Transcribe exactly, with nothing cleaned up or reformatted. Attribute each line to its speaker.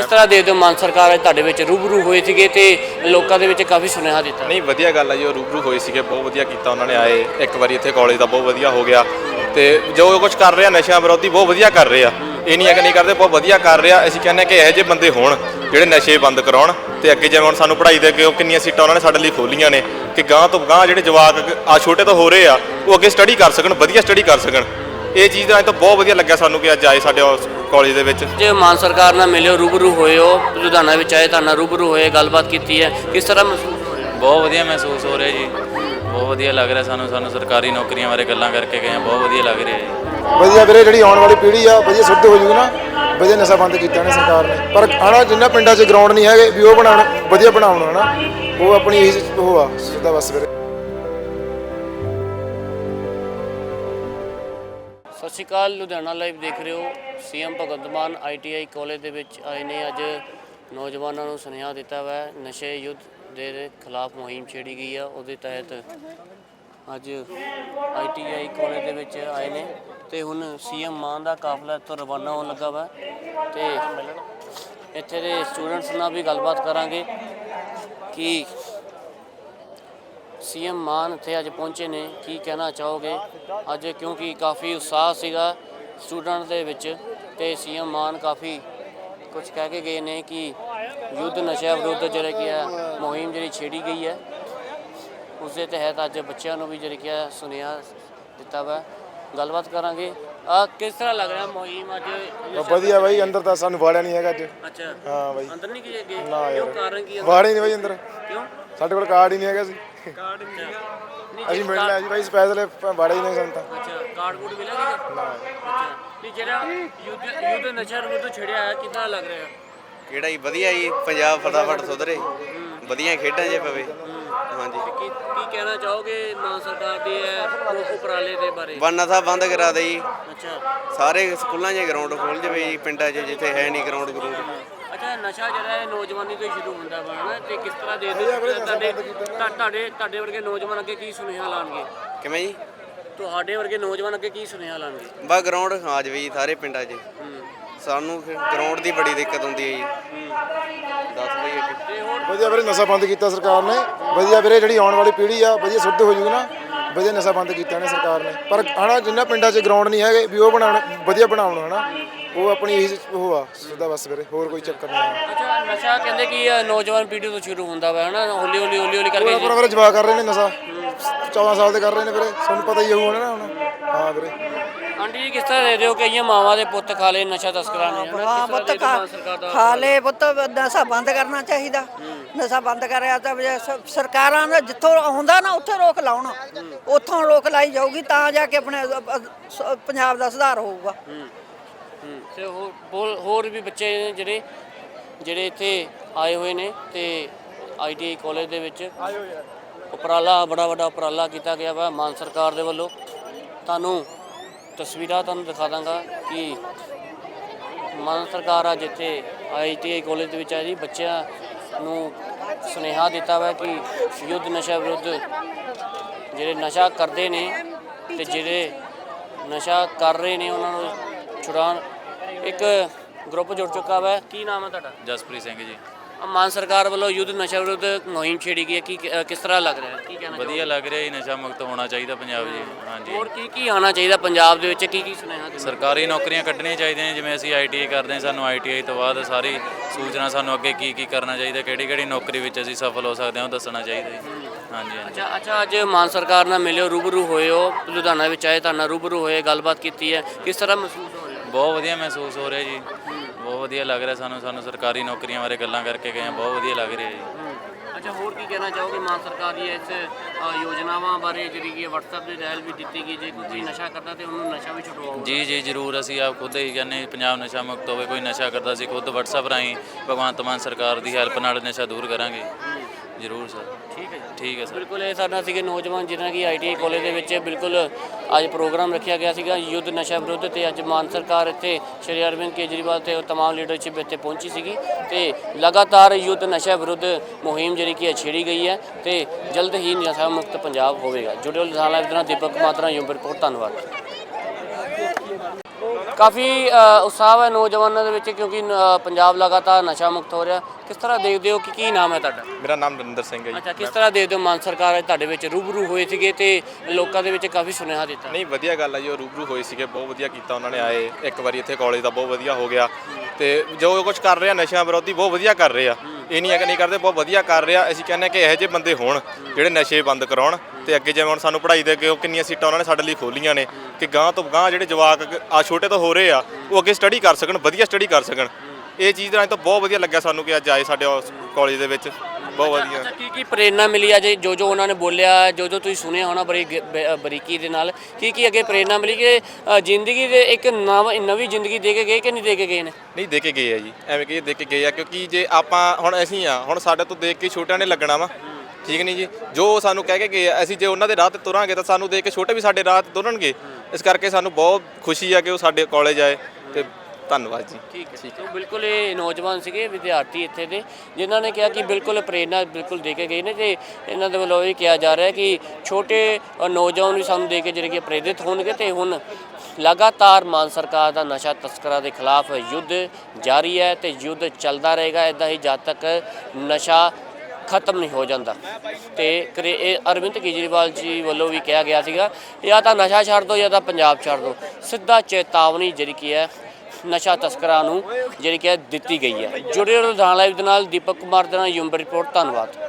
Speaker 1: ਕਿਸ ਤਰ੍ਹਾਂ ਦੇਖਦੇ ਹੋ ਮਾਨ ਸਰਕਾਰ ਤੁਹਾਡੇ ਵਿੱਚ ਰੂਬਰੂ ਹੋਏ ਸੀਗੇ ਤੇ ਲੋਕਾਂ ਦੇ ਵਿੱਚ ਕਾਫੀ ਸੁਨੇਹਾ ਦਿੱਤਾ?
Speaker 2: ਨਹੀਂ ਵਧੀਆ ਗੱਲ ਆ ਜੀ, ਉਹ ਰੂਬਰੂ ਹੋਏ ਸੀਗੇ, ਬਹੁਤ ਵਧੀਆ ਕੀਤਾ ਉਹਨਾਂ ਨੇ, ਆਏ ਇੱਕ ਵਾਰੀ ਇੱਥੇ ਕਾਲਜ ਦਾ ਬਹੁਤ ਵਧੀਆ ਹੋ ਗਿਆ ਤੇ ਜੋ ਕੁਝ ਕਰ ਰਿਹਾ ਨਸ਼ਿਆਂ ਵਿਰੋਧੀ ਬਹੁਤ ਵਧੀਆ ਕਰ ਰਹੇ ਆ। ਇਹ ਨਹੀਂ ਹੈ ਕਿ ਨਹੀਂ ਕਰਦੇ, ਬਹੁਤ ਵਧੀਆ ਕਰ ਰਿਹਾ। ਅਸੀਂ ਕਹਿੰਦੇ ਕਿ ਇਹੋ ਜਿਹੇ ਬੰਦੇ ਹੋਣ ਜਿਹੜੇ ਨਸ਼ੇ ਬੰਦ ਕਰਾਉਣ ਤੇ ਅੱਗੇ ਜਿਵੇਂ ਹੁਣ ਸਾਨੂੰ ਪੜ੍ਹਾਈ ਦੇ ਅੱਗੇ ਕਿੰਨੀਆਂ ਸੀਟਾਂ ਉਹਨਾਂ ਨੇ ਸਾਡੇ ਲਈ ਖੋਲੀਆਂ ਨੇ ਕਿ ਗਾਂ ਤੋਂ ਗਾਂ ਜਿਹੜੇ ਜਵਾਕ ਆ ਛੋਟੇ ਤੋਂ ਹੋ ਰਹੇ ਆ ਉਹ ਅੱਗੇ ਸਟੱਡੀ ਕਰ ਸਕਣ, ਵਧੀਆ ਸਟੱਡੀ ਕਰ ਸਕਣ। ਇਹ ਚੀਜ਼ ਦਾ ਤਾਂ ਬਹੁਤ ਵਧੀਆ ਲੱਗਿਆ ਸਾਨੂੰ ਕਿ ਅੱਜ ਆਏ ਸਾਡੇ ਕਾਲਜ ਦੇ ਵਿੱਚ।
Speaker 1: ਜੇ ਮਾਨ ਸਰਕਾਰ ਨਾਲ ਮਿਲਿਓ, ਰੂਬਰੂ ਹੋਏ ਹੋ, ਲੁਧਿਆਣਾ ਵਿੱਚ ਆਏ, ਤੁਹਾਡੇ ਨਾਲ ਰੂਬਰੂ ਹੋਏ, ਗੱਲਬਾਤ ਕੀਤੀ ਹੈ, ਕਿਸ ਤਰ੍ਹਾਂ ਮਹਿਸੂਸ ਹੋ ਰਿਹਾ?
Speaker 3: ਬਹੁਤ ਵਧੀਆ ਮਹਿਸੂਸ ਹੋ ਰਿਹਾ ਜੀ, ਬਹੁਤ ਵਧੀਆ ਲੱਗ ਰਿਹਾ ਸਾਨੂੰ ਸਾਨੂੰ ਸਰਕਾਰੀ ਨੌਕਰੀਆਂ ਬਾਰੇ ਗੱਲਾਂ ਕਰਕੇ ਗਏ, ਬਹੁਤ ਵਧੀਆ ਲੱਗ ਰਿਹਾ ਜੀ।
Speaker 4: ਵਧੀਆ ਵੀਰੇ, ਜਿਹੜੀ ਆਉਣ ਵਾਲੀ ਪੀੜ੍ਹੀ ਆ ਵਧੀਆ ਸ਼ੁੱਧ ਹੋ ਜੂਗੀ ਨਾ, ਵਧੀਆ ਨਸ਼ਾ ਬੰਦ ਕੀਤਾ ਨੇ ਸਰਕਾਰ ਨੇ। ਪਰ ਆਣਾ ਜਿੰਨਾ ਪਿੰਡਾਂ 'ਚ ਗਰਾਊਂਡ ਨਹੀਂ ਹੈਗੇ ਵੀ ਉਹ ਬਣਾਉਣ, ਵਧੀਆ ਬਣਾਉਣ ਹਨਾ, ਉਹ ਆਪਣੀ ਇਹੀ ਉਹ ਆ ਸਿੱਧਾ ਬਸ ਵੀਰੇ।
Speaker 1: ਸਤਿ ਸ਼੍ਰੀ ਅਕਾਲ, ਲੁਧਿਆਣਾ ਲਾਈਵ ਦੇਖ ਰਹੇ ਹੋ। CM Bhagwant Mann I T I college ਦੇ ਵਿੱਚ ਆਏ ਨੇ। ਅੱਜ ਨੌਜਵਾਨਾਂ ਨੂੰ ਸੁਨੇਹਾ ਦਿੱਤਾ ਹੋਇਆ ਹੈ, ਨਸ਼ੇ ਯੁੱਧ ਦੇ ਖਿਲਾਫ ਮੁਹਿੰਮ ਛੇੜੀ ਗਈ ਆ, ਉਹਦੇ ਤਹਿਤ ਅੱਜ ਆਈ ਟੀ ਆਈ ਕਾਲਜ ਦੇ ਵਿੱਚ ਆਏ ਨੇ ਤੇ ਹੁਣ ਸੀਐਮ ਮਾਨ ਦਾ ਕਾਫਲਾ ਇੱਥੋਂ ਰਵਾਨਾ ਹੋਣ ਲੱਗਾ ਵਾ ਤੇ ਇੱਥੇ ਦੇ ਸਟੂਡੈਂਟਸ ਨਾਲ ਵੀ ਗੱਲਬਾਤ ਕਰਾਂਗੇ ਕਿ ਸੀਐਮ ਮਾਨ ਇੱਥੇ ਅੱਜ ਪਹੁੰਚੇ ਨੇ, ਕੀ ਕਹਿਣਾ ਚਾਹੋਗੇ ਅੱਜ? ਕਿਉਂਕਿ ਕਾਫੀ ਉਤਸ਼ਾਹ ਸੀਗਾ ਸਟੂਡੈਂਟ ਦੇ ਵਿੱਚ ਤੇ ਸੀਐਮ ਮਾਨ ਕਾਫੀ ਕੁਝ ਕਹਿ ਕੇ ਗਏ ਨੇ ਕਿ ਯੁੱਧ ਨਸ਼ਿਆਂ ਵਿਰੁੱਧ ਜਿਹੜਾ ਕੀ ਹੈ ਮੁਹਿੰਮ ਜਿਹੜੀ ਛੇੜੀ ਗਈ ਹੈ, ਉਸ ਦੇ ਤਹਿਤ ਅੱਜ ਬੱਚਿਆਂ ਨੂੰ ਵੀ ਜਿਹੜੀ ਕੀ ਹੈ ਸੁਨੇਹਾ ਦਿੱਤਾ ਵਾ। ਗੱਲਬਾਤ ਕਰਾਂਗੇ। ਆ ਕਿਸ ਤਰ੍ਹਾਂ ਲੱਗ ਰਿਹਾ ਮੁਹਿੰਮ ਅੱਜ?
Speaker 4: ਵਧੀਆ ਬਾਈ, ਅੰਦਰ ਤਾਂ ਸਾਨੂੰ ਵਾੜਿਆ ਨਹੀਂ ਹੈਗਾ ਅੱਜ।
Speaker 1: ਅੱਛਾ
Speaker 4: ਹਾਂ ਬਾਈ,
Speaker 1: ਅੰਦਰ ਨਹੀਂ ਗਏ?
Speaker 4: ਨਾ
Speaker 1: ਕਿਉਂ?
Speaker 4: ਯਾਰ
Speaker 1: ਕਾਰਨ ਕੀ ਹੈ?
Speaker 4: ਵਾੜੇ ਨਹੀਂ ਬਾਈ ਅੰਦਰ,
Speaker 1: ਕਿਉਂ?
Speaker 4: ਸਾਡੇ ਕੋਲ ਕਾਰਡ ਹੀ ਨਹੀਂ ਹੈਗਾ ਸੀ।
Speaker 1: ਕਾਰਡ ਨਹੀਂ
Speaker 4: ਅਸੀਂ ਮਿਲ ਲਿਆ ਜੀ ਬਾਈ, ਸਪੈਸ਼ਲ ਵਾੜੇ ਹੀ ਨਹੀਂ ਸਾਨੂੰ ਤਾਂ।
Speaker 1: ਅੱਛਾ, ਕਾਰਡ ਕੂਡ ਮਿਲਿਆ ਸੀਗਾ? ਅੱਛਾ, ਨਹੀਂ ਜਿਹੜਾ ਯੁੱਧ ਯੁੱਧ ਨਸ਼ਾ ਵਿਰੁੱਧ ਛੇੜਿਆ ਹੈ, ਕਿੱਦਾਂ ਲੱਗ ਰਿਹਾ?
Speaker 5: ਕਿਹੜਾ ਜੀ ਵਧੀਆ ਜੀ, ਪੰਜਾਬ ਫਟਾਫਟ ਸੁਧਰੇ, ਵਧੀਆ ਖੇਡਾਂ ਜੇ ਪਵੇ। ਹਾਂਜੀ,
Speaker 1: ਕੀ ਕੀ ਕਹਿਣਾ ਚਾਹੋਗੇ ਮਾਨ ਸਰਕਾਰ ਦੇ ਇਹ ਉਪਰਾਲੇ ਦੇ ਬਾਰੇ?
Speaker 5: ਬੰਨਾ ਸਾਹਿਬ ਬੰਦ ਕਰਾ ਦੇ ਜੀ,
Speaker 1: ਅੱਛਾ
Speaker 5: ਸਾਰੇ ਸਕੂਲਾਂ 'ਚ ਗਰਾਊਂਡ ਖੋਲ੍ਹ ਜਾਵੇ ਜੀ, ਪਿੰਡਾਂ 'ਚ ਜਿੱਥੇ ਹੈ ਨਹੀਂ ਗਰਾਊਂਡ ਗਰੂੰਡ।
Speaker 1: ਅੱਛਾ, ਨਸ਼ਾ ਜਿਹੜਾ ਹੈ ਨੌਜਵਾਨੀ ਤੋਂ ਹੀ ਸ਼ੁਰੂ ਹੁੰਦਾ ਵਾ ਨਾ, ਤੇ ਕਿਸ ਤਰ੍ਹਾਂ ਦੇ ਤੁਹਾਡੇ ਤੁਹਾਡੇ ਤੁਹਾਡੇ ਵਰਗੇ ਨੌਜਵਾਨ ਅੱਗੇ ਕੀ ਸੁਨੇਹਾ ਲਾਉਣਗੇ?
Speaker 5: ਕਿਵੇਂ ਜੀ?
Speaker 1: ਤੁਹਾਡੇ ਵਰਗੇ ਨੌਜਵਾਨ ਅੱਗੇ ਕੀ ਸੁਨੇਹਾ ਲਾਉਣਗੇ?
Speaker 5: ਬਸ ਗਰਾਊਂਡ ਆ ਜਾਵੇ ਜੀ ਸਾਰੇ ਪਿੰਡਾਂ 'ਚ। ਸਾਨੂੰ ਗਰਾਊਂਡ ਦੀ ਬੜੀ ਦਿੱਕਤ ਹੁੰਦੀ ਹੈ ਜੀ। ਦੱਸ ਬਈ ਅੱਗੇ।
Speaker 4: ਵਧੀਆ ਵੀਰੇ, ਨਸ਼ਾ ਬੰਦ ਕੀਤਾ ਸਰਕਾਰ ਨੇ। ਵਧੀਆ ਵੀਰੇ, ਜਿਹੜੀ ਆਉਣ ਵਾਲੀ ਪੀੜ੍ਹੀ ਆ ਵਧੀਆ ਸ਼ੁੱਧ ਹੋ ਜੂਗੀ ਨਾ, ਵਧੀਆ ਨਸ਼ਾ ਬੰਦ ਕੀਤਾ ਨੇ ਸਰਕਾਰ ਨੇ। ਪਰ ਆਣਾ ਜਿੰਨਾ ਪਿੰਡਾਂ 'ਚ ਗਰਾਊਂਡ ਨਹੀਂ ਹੈਗੇ ਵੀ ਉਹ ਬਣਾਉਣ, ਵਧੀਆ ਬਣਾਉਣ ਹਨਾ, ਉਹ ਆਪਣੀ ਇਹੀ ਉਹ ਆ ਸਿੱਧਾ ਬਸ ਵੀਰੇ, ਹੋਰ ਕੋਈ ਚੱਕਰ ਨਹੀਂ।
Speaker 1: ਅੱਛਾ, ਨਸ਼ਾ ਕਹਿੰਦੇ ਕਿ ਨੌਜਵਾਨ ਪੀੜ੍ਹੀ ਤੋਂ ਸ਼ੁਰੂ ਹੁੰਦਾ ਵਾ ਹਨਾ, ਹੌਲੀ ਹੌਲੀ ਹੌਲੀ ਹੌਲੀ ਕਰਕੇ
Speaker 4: ਪੂਰਾ ਵੀਰੇ ਜਵਾ ਕਰ ਰਹੇ ਨੇ ਨਸ਼ਾ, ਚੌਦਾਂ ਸਾਲ ਦੇ ਕਰ ਰਹੇ ਨੇ ਵੀਰੇ, ਤੁਹਾਨੂੰ ਪਤਾ ਹੀ ਹੋਊ ਨਾ ਹੁਣ। ਹਾਂ ਵੀਰੇ।
Speaker 1: ਆਂਟੀ ਜੀ, ਕਿਸ ਤਰ੍ਹਾਂ ਦੇ ਦਿਓ ਕਿ ਇਹ ਮਾਵਾਂ ਦੇ ਪੁੱਤ ਖਾ ਲਏ ਨਸ਼ਾ ਤਸਕਰਾਂ ਨੇ?
Speaker 6: ਹਾਂ ਪੁੱਤ ਖਾ ਲਏ ਪੁੱਤ, ਨਸ਼ਾ ਬੰਦ ਕਰਨਾ ਚਾਹੀਦਾ। ਨਸ਼ਾ ਬੰਦ ਕਰਿਆ ਤਾਂ ਸਰਕਾਰਾਂ ਦਾ ਜਿੱਥੋਂ ਆਉਂਦਾ ਨਾ ਉੱਥੇ ਰੋਕ ਲਾਉਣ, ਉੱਥੋਂ ਰੋਕ ਲਾਈ ਜਾਊਗੀ ਤਾਂ ਜਾ ਕੇ ਆਪਣੇ ਪੰਜਾਬ ਦਾ ਸੁਧਾਰ ਹੋਊਗਾ।
Speaker 1: ਤੇ ਹੋਰ ਹੋਰ ਵੀ ਬੱਚੇ ਨੇ ਜਿਹੜੇ ਜਿਹੜੇ ਇੱਥੇ ਆਏ ਹੋਏ ਨੇ ਤੇ ਆਈ ਟੀ ਆਈ ਕਾਲਜ ਦੇ ਵਿੱਚ ਉਪਰਾਲਾ, ਬੜਾ ਵੱਡਾ ਉਪਰਾਲਾ ਕੀਤਾ ਗਿਆ ਵਾ ਮਾਨ ਸਰਕਾਰ ਦੇ ਵੱਲੋਂ। ਤੁਹਾਨੂੰ ਤਸਵੀਰਾਂ ਤੁਹਾਨੂੰ ਦਿਖਾ ਦਾਂਗਾ ਕਿ ਮਾਨ ਸਰਕਾਰ ਅੱਜ ਇੱਥੇ ਆਈ ਟੀ ਆਈ ਕਾਲਜ ਦੇ ਵਿੱਚ ਆਈ ਜੀ, ਬੱਚਿਆਂ ਨੂੰ ਸੁਨੇਹਾ ਦਿੱਤਾ ਵਾ ਕਿ ਯੁੱਧ ਨਸ਼ਾ ਵਿਰੁੱਧ ਜਿਹੜੇ ਨਸ਼ਾ ਕਰਦੇ ਨੇ ਤੇ ਜਿਹੜੇ ਨਸ਼ਾ ਕਰ ਰਹੇ ਨੇ ਉਹਨਾਂ ਨੂੰ ਛੁਡਾਉਣ ਇੱਕ ਗਰੁੱਪ ਜੁੜ ਚੁੱਕਾ ਵਾ। ਕੀ ਨਾਮ ਹੈ ਤੁਹਾਡਾ?
Speaker 3: ਜਸਪ੍ਰੀਤ ਸਿੰਘ ਜੀ।
Speaker 1: ਮਾਨ ਸਰਕਾਰ ਵੱਲੋਂ ਯੁੱਧ ਨਸ਼ਾ ਵਿਰੁੱਧ ਮੁਹਿੰਮ ਛੇੜੀ ਗਈ ਹੈ, ਕੀ ਕਿਸ ਤਰ੍ਹਾਂ ਲੱਗ ਰਿਹਾ? ਕੀ ਕਹਿਣਾ?
Speaker 3: ਵਧੀਆ ਲੱਗ ਰਿਹਾ ਜੀ, ਨਸ਼ਾ ਮੁਕਤ ਹੋਣਾ ਚਾਹੀਦਾ ਪੰਜਾਬ ਜੀ। ਹਾਂਜੀ,
Speaker 1: ਹੋਰ ਕੀ ਕੀ ਆਉਣਾ ਚਾਹੀਦਾ ਪੰਜਾਬ ਦੇ ਵਿੱਚ? ਕੀ ਕੀ ਸੁਨੇਹਾ?
Speaker 3: ਸਰਕਾਰੀ ਨੌਕਰੀਆਂ ਕੱਢਣੀਆਂ ਚਾਹੀਦੀਆਂ, ਜਿਵੇਂ ਅਸੀਂ ਆਈ ਟੀ ਆਈ ਕਰਦੇ ਹਾਂ, ਸਾਨੂੰ ਆਈ ਟੀ ਆਈ ਤੋਂ ਬਾਅਦ ਸਾਰੀ ਸੂਚਨਾ ਸਾਨੂੰ ਅੱਗੇ ਕੀ ਕੀ ਕਰਨਾ ਚਾਹੀਦਾ, ਕਿਹੜੀ ਕਿਹੜੀ ਨੌਕਰੀ ਵਿੱਚ ਅਸੀਂ ਸਫਲ ਹੋ ਸਕਦੇ ਹਾਂ ਉਹ ਦੱਸਣਾ ਚਾਹੀਦਾ ਜੀ। ਹਾਂਜੀ ਹਾਂਜੀ।
Speaker 1: ਅੱਛਾ ਅੱਛਾ, ਅੱਜ ਮਾਨ ਸਰਕਾਰ ਨਾਲ ਮਿਲਿਓ, ਰੂਬਰੂ ਹੋਏ ਹੋ, ਲੁਧਿਆਣਾ ਵਿੱਚ ਆਏ, ਤੁਹਾਡੇ ਨਾਲ ਰੂਬਰੂ ਹੋਏ, ਗੱਲਬਾਤ ਕੀਤੀ ਹੈ, ਕਿਸ ਤਰ੍ਹਾਂ ਮਹਿਸੂਸ ਹੋ ਰਿਹਾ?
Speaker 3: ਬਹੁਤ ਵਧੀਆ ਮਹਿਸੂਸ ਹੋ ਰਿਹਾ ਜੀ, ਬਹੁਤ ਵਧੀਆ ਲੱਗ ਰਿਹਾ ਸਾਨੂੰ ਸਾਨੂੰ ਸਰਕਾਰੀ ਨੌਕਰੀਆਂ ਬਾਰੇ ਗੱਲਾਂ ਕਰਕੇ ਗਏ, ਬਹੁਤ ਵਧੀਆ ਲੱਗ ਰਿਹਾ ਜੀ।
Speaker 1: ਅੱਛਾ, ਹੋਰ ਕੀ ਕਹਿਣਾ ਚਾਹੋਗੇ ਮਾਨ ਸਰਕਾਰ ਦੀ ਇਸ ਯੋਜਨਾਵਾਂ ਬਾਰੇ, ਜਿਹੜੀ ਕਿ WhatsApp ਦੇ ਰਹਿਲ ਵੀ ਦਿੱਤੀ ਗਈ, ਜੇ ਕੋਈ ਨਸ਼ਾ ਕਰਦਾ ਤੇ ਉਹਨੂੰ ਨਸ਼ਾ ਵੀ ਛੁਡਵਾਓ?
Speaker 3: ਜੀ ਜੀ ਜ਼ਰੂਰ, ਅਸੀਂ ਆਪ ਖੁਦ ਹੀ ਕਹਿੰਦੇ ਪੰਜਾਬ ਨਸ਼ਾ ਮੁਕਤ ਹੋਵੇ। ਕੋਈ ਨਸ਼ਾ ਕਰਦਾ ਸੀ ਖੁਦ WhatsApp ਰਾਹੀਂ ਭਗਵੰਤ ਮਾਨ ਸਰਕਾਰ ਦੀ ਹੈਲਪ ਨਾਲ ਨਸ਼ਾ ਦੂਰ ਕਰਾਂਗੇ ਜ਼ਰੂਰ ਸਰ।
Speaker 1: ਠੀਕ ਹੈ
Speaker 3: ਠੀਕ ਹੈ ਸਰ।
Speaker 1: ਬਿਲਕੁਲ, ਇਹ ਸਾਡਾ ਸੀਗੇ ਨੌਜਵਾਨ ਜਿਹਨਾਂ ਕਿ ਆਈ ਟੀ ਆਈ ਕਾਲਜ ਦੇ ਵਿੱਚ ਬਿਲਕੁਲ ਅੱਜ ਪ੍ਰੋਗਰਾਮ ਰੱਖਿਆ ਗਿਆ ਸੀਗਾ ਯੁੱਧ ਨਸ਼ਾ ਵਿਰੁੱਧ, ਤੇ ਅੱਜ ਮਾਨ ਸਰਕਾਰ ਇੱਥੇ ਸ਼੍ਰੀ ਅਰਵਿੰਦ ਕੇਜਰੀਵਾਲ ਤੇ ਤਮਾਮ ਲੀਡਰਸ਼ਿਪ ਇੱਥੇ ਪਹੁੰਚੀ ਸੀਗੀ ਤੇ ਲਗਾਤਾਰ ਯੁੱਧ ਨਸ਼ਾ ਵਿਰੁੱਧ ਮੁਹਿੰਮ ਜਿਹੜੀ ਕਿ ਛੇੜੀ ਗਈ ਹੈ ਤੇ ਜਲਦ ਹੀ ਨਸ਼ਾ ਮੁਕਤ ਪੰਜਾਬ ਹੋਵੇਗਾ। ਜੁੜਿਓ ਲੁਧਿਆਣਾ ਲਾਈਵ ਨਾਲ ਦੀਪਕ ਮਾਤਰਾ ਯੂਮ ਰਿਪੋਰਟ। ਧੰਨਵਾਦ। ਕਾਫੀ ਅ, ਉਤਸ਼ਾਹ ਹੈ ਨੌਜਵਾਨਾਂ ਦੇ ਵਿੱਚ ਕਿਉਂਕਿ ਅ, ਪੰਜਾਬ ਲਗਾਤਾਰ ਨਸ਼ਾ ਮੁਕਤ ਹੋ ਰਿਹਾ। ਕਿਸ ਤਰ੍ਹਾਂ ਦੇਖਦੇ ਹੋ ਕਿ ਕੀ ਨਾਮ ਹੈ ਤੁਹਾਡਾ?
Speaker 2: ਮੇਰਾ ਨਾਮ ਨਰਿੰਦਰ ਸਿੰਘ ਹੈ ਜੀ।
Speaker 1: ਅੱਛਾ, ਕਿਸ ਤਰ੍ਹਾਂ ਦੇਖਦੇ ਹੋ ਮਾਨ ਸਰਕਾਰ ਤੁਹਾਡੇ ਵਿੱਚ ਰੂਬਰੂ ਹੋਏ ਸੀਗੇ ਤੇ ਲੋਕਾਂ ਦੇ ਵਿੱਚ ਕਾਫੀ ਸੁਨੇਹਾ ਦਿੱਤਾ?
Speaker 2: ਨਹੀਂ ਵਧੀਆ ਗੱਲ ਹੈ ਜੀ, ਉਹ ਰੂਬਰੂ ਹੋਏ ਸੀਗੇ, ਬਹੁਤ ਵਧੀਆ ਕੀਤਾ ਉਹਨਾਂ ਨੇ ਆਏ ਇੱਕ ਵਾਰੀ ਇੱਥੇ ਕਾਲਜ ਦਾ, ਬਹੁਤ ਵਧੀਆ ਹੋ ਗਿਆ। ਤੇ ਜੋ ਕੁਝ ਕਰ ਰਹੇ ਆ ਨਸ਼ਿਆਂ ਵਿਰੋਧੀ ਬਹੁਤ ਵਧੀਆ ਕਰ ਰਹੇ ਆ, ਇਹ ਨਹੀਂ ਹੈ ਕਿ ਨਹੀਂ ਕਰਦੇ, ਬਹੁਤ ਵਧੀਆ ਕਰ ਰਿਹਾ। ਅਸੀਂ ਕਹਿੰਦੇ ਕਿ ਇਹੋ ਜਿਹੇ ਬੰਦੇ ਹੋਣ ਜਿਹੜੇ ਨਸ਼ੇ ਬੰਦ ਕਰਾਉਣ ਤੇ ਅੱਗੇ ਜਿਵੇਂ ਹੁਣ ਸਾਨੂੰ ਪੜ੍ਹਾਈ ਦੇ ਅੱਗੇ ਉਹ ਕਿੰਨੀਆਂ ਸੀਟਾਂ ਉਹਨਾਂ ਨੇ ਸਾਡੇ ਲਈ ਖੋਲੀਆਂ ਨੇ ਕਿ ਗਾਂ ਤੋਂ ਗਾਂ ਜਿਹੜੇ ਜਵਾਕ ਆ ਛੋਟੇ ਤੋਂ ਹੋ ਰਹੇ ਆ ਉਹ ਅੱਗੇ ਸਟੱਡੀ ਕਰ ਸਕਣ, ਵਧੀਆ ਸਟੱਡੀ ਕਰ ਸਕਣ। ਇਹ ਚੀਜ਼ ਦਾ ਤਾਂ ਬਹੁਤ ਵਧੀਆ ਲੱਗਿਆ ਸਾਨੂੰ ਕਿ ਅੱਜ ਆਏ ਸਾਡੇ ਕਾਲਜ ਦੇ ਵਿੱਚ, ਬਹੁਤ ਵਧੀਆ।
Speaker 1: ਅੱਛਾ, ਕੀ ਕੀ ਪ੍ਰੇਰਨਾ ਮਿਲੀ ਆ ਜੋ ਜੋ ਉਹਨਾਂ ਨੇ ਬੋਲਿਆ, ਜੋ ਜੋ ਤੁਸੀਂ ਸੁਣਿਆ ਹੋਣਾ ਬੜੀ ਗ- ਬ- ਬਰੀਕੀ ਦੇ ਨਾਲ, ਕੀ ਕੀ ਅੱਗੇ ਪ੍ਰੇਰਨਾ ਮਿਲੀ ਕਿ ਅ, ਜ਼ਿੰਦਗੀ ਦੇ ਇੱਕ ਨਵ ਨਵੀਂ ਜ਼ਿੰਦਗੀ ਦੇ ਕੇ ਗਏ ਕਿ ਨਹੀਂ ਦੇ ਕੇ ਗਏ ਨੇ?
Speaker 2: ਨਹੀਂ ਦੇ ਕੇ ਗਏ ਆ ਜੀ, ਐਵੇਂ ਕਿ ਦੇ ਕੇ ਗਏ ਆ ਕਿਉਂਕਿ ਜੇ ਆਪਾਂ ਹੁਣ ਅਸੀਂ ਆ ਹੁਣ ਸਾਡੇ ਤੋਂ ਦੇਖ ਕੇ ਛੋਟਿਆਂ ਨੇ ਲੱਗਣਾ ਵਾ, ਠੀਕ ਨਹੀਂ ਜੀ। ਜੋ ਸਾਨੂੰ ਕਹਿ ਕੇ ਗਏ ਆ ਅਸੀਂ ਜੇ ਉਹਨਾਂ ਦੇ ਰਾਹ ਤੇ ਤੁਰਾਂਗੇ ਤਾਂ ਸਾਨੂੰ ਦੇਖ ਕੇ ਛੋਟੇ ਵੀ ਸਾਡੇ ਰਾਹ ਤੇ ਤੁਰਨਗੇ। ਇਸ ਕਰਕੇ ਸਾਨੂੰ ਬਹੁਤ ਖੁਸ਼ੀ ਆ ਕਿ ਉਹ ਸਾਡੇ ਕਾਲਜ ਆਏ ਤੇ ਧੰਨਵਾਦ ਜੀ।
Speaker 1: ਠੀਕ ਹੈ, ਠੀਕ ਹੈ। ਬਿਲਕੁਲ ਇਹ ਨੌਜਵਾਨ ਸੀਗੇ ਵਿਦਿਆਰਥੀ ਇੱਥੇ ਦੇ ਜਿਨ੍ਹਾਂ ਨੇ ਕਿਹਾ ਕਿ ਬਿਲਕੁਲ ਪ੍ਰੇਰਨਾ ਬਿਲਕੁਲ ਦੇ ਕੇ ਗਏ ਨੇ ਤੇ ਇਹਨਾਂ ਦੇ ਵੱਲੋਂ ਇਹ ਕਿਹਾ ਜਾ ਰਿਹਾ ਕਿ ਛੋਟੇ ਅ, ਨੌਜਵਾਨ ਵੀ ਸਾਨੂੰ ਦੇ ਕੇ ਜਿਹੜੇ ਕਿ ਪ੍ਰੇਰਿਤ ਹੋਣਗੇ ਤੇ ਹੁਣ ਲਗਾਤਾਰ ਮਾਨ ਸਰਕਾਰ ਦਾ ਨਸ਼ਾ ਤਸਕਰਾਂ ਦੇ ਖਿਲਾਫ ਯੁੱਧ ਜਾਰੀ ਹੈ ਤੇ ਯੁੱਧ ਚੱਲਦਾ ਰਹੇਗਾ ਇੱਦਾਂ ਹੀ ਜਦ ਤੱਕ ਨਸ਼ਾ ਖਤਮ ਨਹੀਂ ਹੋ ਜਾਂਦਾ। ਤੇ ਕਰੇ ਇਹ ਅਰਵਿੰਦ ਕੇਜਰੀਵਾਲ ਜੀ ਵੱਲੋਂ ਵੀ ਕਿਹਾ ਗਿਆ ਸੀਗਾ ਜਾਂ ਤਾਂ ਨਸ਼ਾ ਛੱਡ ਦਿਓ ਜਾਂ ਤਾਂ ਪੰਜਾਬ ਛੱਡ ਦਿਓ, ਸਿੱਧਾ ਚੇਤਾਵਨੀ ਜਿਹੜੀ ਕੀ ਹੈ ਨਸ਼ਾ ਤਸਕਰਾਂ ਨੂੰ ਜਿਹੜੀ ਕਿ ਦਿੱਤੀ ਗਈ ਹੈ। ਜੁੜੇ ਰਹੋ ਲੁਧਿਆਣਾ ਲਾਈਵ ਦੇ ਨਾਲ, ਦੀਪਕ ਕੁਮਾਰ ਦੇ ਨਾਲ ਯੂਮ ਰਿਪੋਰਟ। ਧੰਨਵਾਦ।